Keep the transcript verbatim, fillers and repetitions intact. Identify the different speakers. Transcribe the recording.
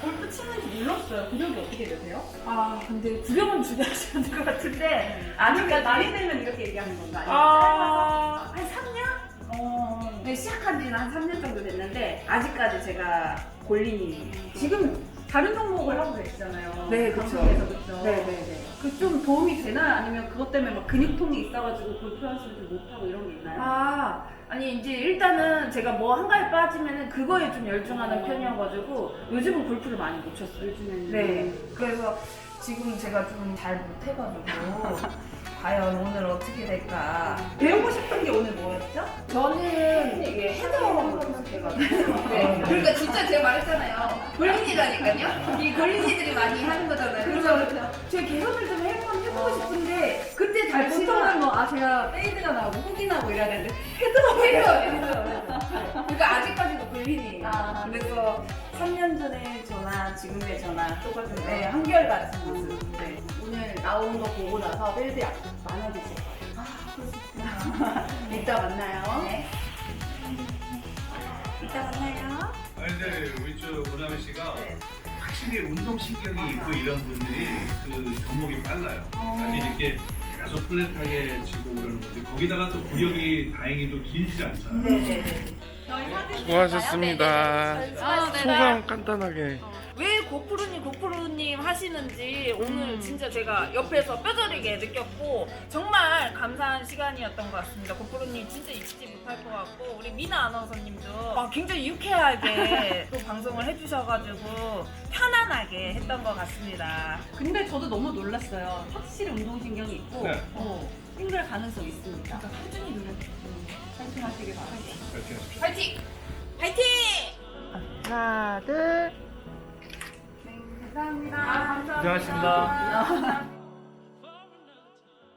Speaker 1: 골프 치는지 몰랐어요. 구력이 어떻게 되세요?
Speaker 2: 아 근데 구경은 준비하셔야 될 것 같은데
Speaker 1: 아직까지 나이 들면 이렇게 얘기하는 건가? 아니면
Speaker 2: 아, 한 삼 년?
Speaker 1: 어...
Speaker 2: 네, 시작한 지는 한 삼 년 정도 됐는데 아직까지 제가 골린이
Speaker 1: 지금 다른 종목을 하고 계시잖아요.
Speaker 2: 네, 그쵸.
Speaker 1: 방송에서 그쵸?
Speaker 2: 네네네.
Speaker 1: 그 좀 도움이 되나요? 아니면 그것 때문에 막 근육통이 있어가지고 골프 연습을 좀 못하고 이런 게 있나요?
Speaker 2: 아 아니 이제 일단은 제가 뭐 한가에 빠지면은 그거에 좀 열중하는 편이어가지고 요즘은 골프를 많이 못 쳤어요.
Speaker 1: 요즘에는.
Speaker 2: 네. 그래서 지금 제가 좀 잘 못해가지고 과연 오늘 어떻게 될까.
Speaker 1: 배우고 싶은 게 오늘 뭐였죠?
Speaker 2: 저는 이게 헤드업을 해가지고. 네. 그러니까 진짜 제가 말했잖아요. 골린이라니까요. 이 골린이들이 많이 하는 거잖아요. 그래서 제가 개선을 좀 해보고, 해보고 싶은데 그때 잘
Speaker 1: 보통은
Speaker 2: 치면
Speaker 1: 뭐, 아, 제가 페이드가 나오고 훅이 나오고 이래야 되는데.
Speaker 2: 헤드업이에요. 그러니까 아직까지도 골린이에요.
Speaker 1: 아.
Speaker 2: 그래서 삼 년 전에 저나 지금의 저나 똑같은 네, 한결같은 모습. 네.
Speaker 1: 오늘 나온 거 보고 나서 페이드 많아지세요.
Speaker 2: 아, 그렇습니다. 이따 만나요. 네. 이따 만나요.
Speaker 3: 아니 근데 우리 저 문하민 씨가
Speaker 2: 네.
Speaker 3: 확실히 운동신경이 있고 이런 분들이 그 종목이 빨라요. 아니 이렇게 계속 플랫하게 치고 그러는 거지. 거기다가 또 구력이 다행히도 길지 않잖아요.
Speaker 2: 네네네.
Speaker 4: 수고하셨습니다.
Speaker 2: 아, 네.
Speaker 4: 소감 간단하게.
Speaker 2: 왜 고프로님 고프로님 하시는지 오늘 진짜 제가 옆에서 뼈저리게 느꼈고 정말 감사한 시간이었던 것 같습니다. 고프로님 진짜 잊지 못할 것 같고 우리 미나 아나운서님도 아, 굉장히 유쾌하게 또 방송을 해주셔가지고 편안하게 했던 것 같습니다.
Speaker 1: 근데 저도 너무 놀랐어요. 확실히 운동신경이 있고,
Speaker 3: 네.
Speaker 1: 어, 싱글 가능성 있습니다.
Speaker 2: 그러니까 꾸준히 노력.
Speaker 1: 파이팅 하시길 바랍니다.
Speaker 3: 그렇게 하십시오.
Speaker 2: 파이팅! 파이팅!
Speaker 4: 하나, 둘.
Speaker 1: 네, 감사합니다.
Speaker 2: 아, 감사합니다.
Speaker 4: 고생하셨습니다.
Speaker 2: 감사합니다.